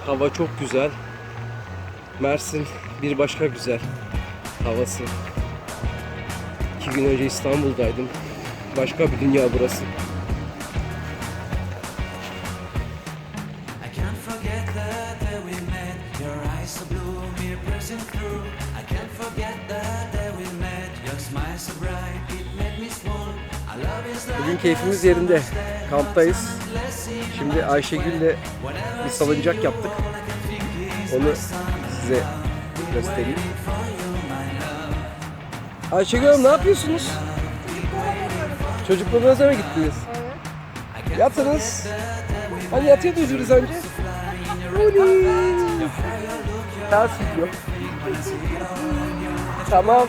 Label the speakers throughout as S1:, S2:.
S1: Hava çok güzel. Mersin bir başka güzel havası. 2 gün önce İstanbul'daydım. Başka bir dünya burası. Bugün keyfimiz yerinde. Kamptayız. Şimdi Ayşegül'le bir salıncak yaptık. Onu size göstereyim. Ayşegül Hanım ne yapıyorsunuz? Çocuklarınıza mı gittiniz? Evet. Yatınız. Hani yatıyordunuz biraz önce? Ters gidiyor. Tamam.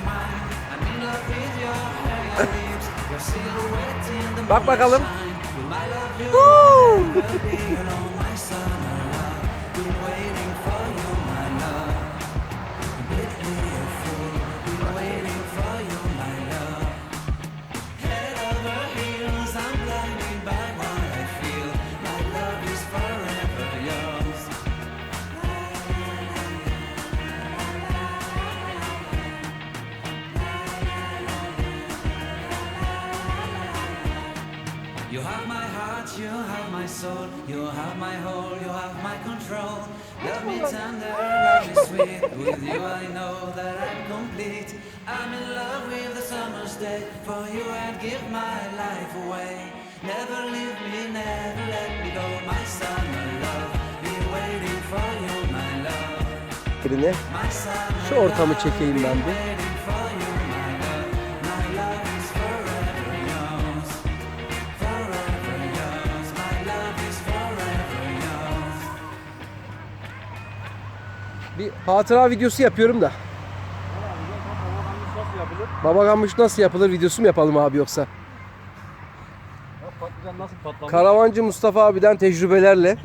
S1: Bak bakalım.
S2: You have my heart, you have my soul, you have my whole, you have my control. Love me tender, love me sweet. With you I know that I'm complete. I'm in love with the summer's day. For you I'd give my life away. Never leave me, never let me go. My summer love, be waiting for you, my love. My summer
S1: Şu ortamı çekeyim ben bir.
S2: waiting for you, my love. My love is forever yours. Forever yours. My love is forever yours.
S1: Bir hatıra videosu yapıyorum da. Baba ganoush nasıl yapılır videosu mu yapalım abi yoksa?
S3: Patlıcan nasıl patlamış?
S1: Karavancı Mustafa abiden tecrübelerle.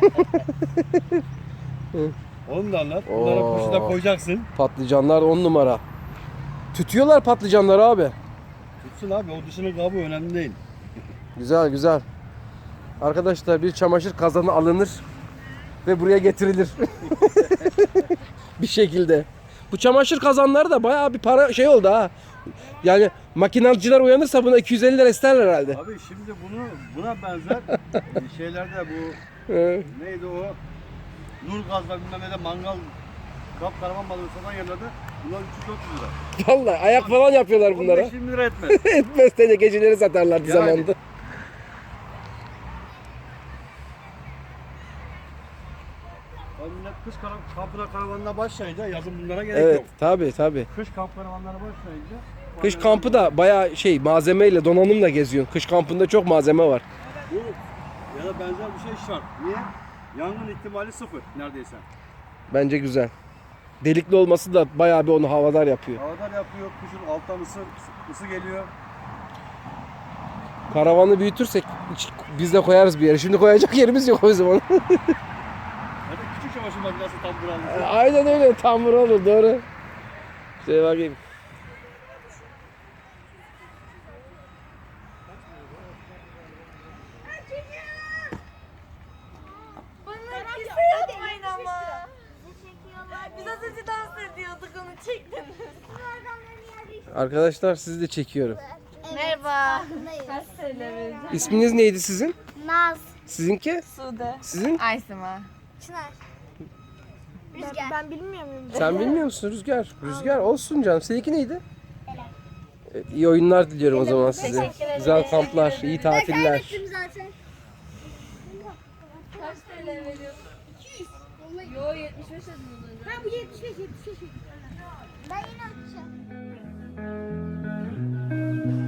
S3: Onu da anlat. Bunlara
S1: Oo.
S3: kuşu da koyacaksın.
S1: Patlıcanlar 10 numara. Tütüyorlar patlıcanları abi.
S3: Tutsun abi, o dışının kabuğu önemli değil.
S1: Güzel güzel. Arkadaşlar bir çamaşır kazanı alınır ve buraya getirilir. Bir şekilde. Bu çamaşır kazanları da bayağı bir para şey oldu ha. Yani makinacılar uyanırsa buna 250 lira isterler herhalde.
S3: Abi şimdi buna benzer şeylerde bu neydi o? Nur gazla bilmem ne de mangal karavan balığı satan yerlerde bunlar 300-400 lira.
S1: Vallahi ayak falan yapıyorlar bunlara.
S3: 15-20 lira etmez.
S1: Etmez de geceleri satarlardı
S3: Yani.
S1: zamanında.
S3: Abi millet kış kampına karavanına başlayınca yazın bunlara gerek
S1: Evet
S3: yok.
S1: tabii.
S3: Kış kamp karavanlara başlayınca
S1: Kış kampı da bayağı şey malzemeyle donanımla geziyorsun. Kış kampında çok malzeme var.
S3: bu ya da benzer bir şey şart. Niye? Yangın ihtimali sıfır neredeyse.
S1: Bence güzel. Delikli olması da bayağı bir onu havadar yapıyor.
S3: Havadar yapıyor, kuşun alttan ısı geliyor.
S1: Karavanı büyütürsek biz de koyarız bir yere. Şimdi koyacak yerimiz yok o zaman.
S3: Hadi küçük çamaşır makinesi tam buralması.
S1: Aynen öyle. Tam olur doğru. Şöyle bakayım.
S4: Bana kimse yapmayın ama. Biz az önce dans ediyorduk, onu çektiniz.
S1: Arkadaşlar sizi de çekiyorum.
S4: Merhaba. Kaç TL vereceğim?
S1: İsminiz neydi sizin?
S5: Naz,
S1: Sizinki?
S4: Sude.
S1: Sizin?
S4: Aysima.
S5: Çınar, Rüzgar. Ben bilmiyor muyum?
S1: Sen bilmiyor musun Rüzgar? Rüzgar olsun canım. Seninki neydi? Evet, iyi oyunlar diliyorum o zaman size.
S4: Teşekkür ederim.
S1: Güzel kamplar, iyi tatiller.
S5: Kaybettim zaten.
S4: Kaç TL veriyorsun?
S5: 200.
S4: Yo 75 dedim.
S5: Ha bu 75. Ben yine atacağım.